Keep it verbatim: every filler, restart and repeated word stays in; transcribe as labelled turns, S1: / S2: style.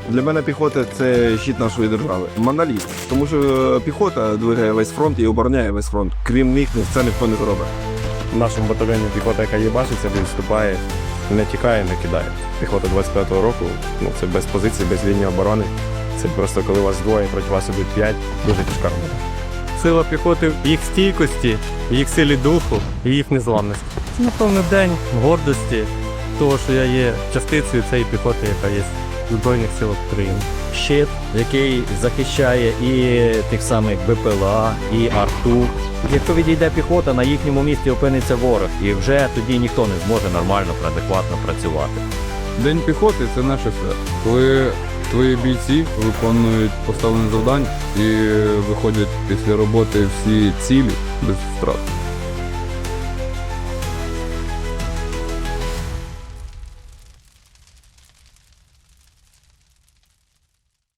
S1: Для мене піхота – це щит нашої держави. Моноліт. Тому що піхота двигає весь фронт і обороняє весь фронт. Крім них це ніхто не зробить.
S2: В нашому батальйоні піхота, яка їбашиться, відступає, не тікає, не кидає. Піхота двадцять п'ятого року, ну це без позицій, без лінії оборони. Це просто коли вас двоє, проти вас ідуть п'ять, дуже тяжка робота.
S3: Сила піхоти в їх стійкості, в їх силі духу і їх незламності. Це, напевно, день гордості того, що я є частицею цієї піхоти, яка є в Збройних силах України.
S4: Щит, який захищає і тих самих БПЛА, і арту. Якщо відійде піхота, на їхньому місці опиниться ворог, і вже тоді ніхто не зможе нормально, адекватно працювати.
S5: День піхоти – це наше все. Коли твої бійці виконують поставлені завдання і виходять після роботи всі цілі без втрат.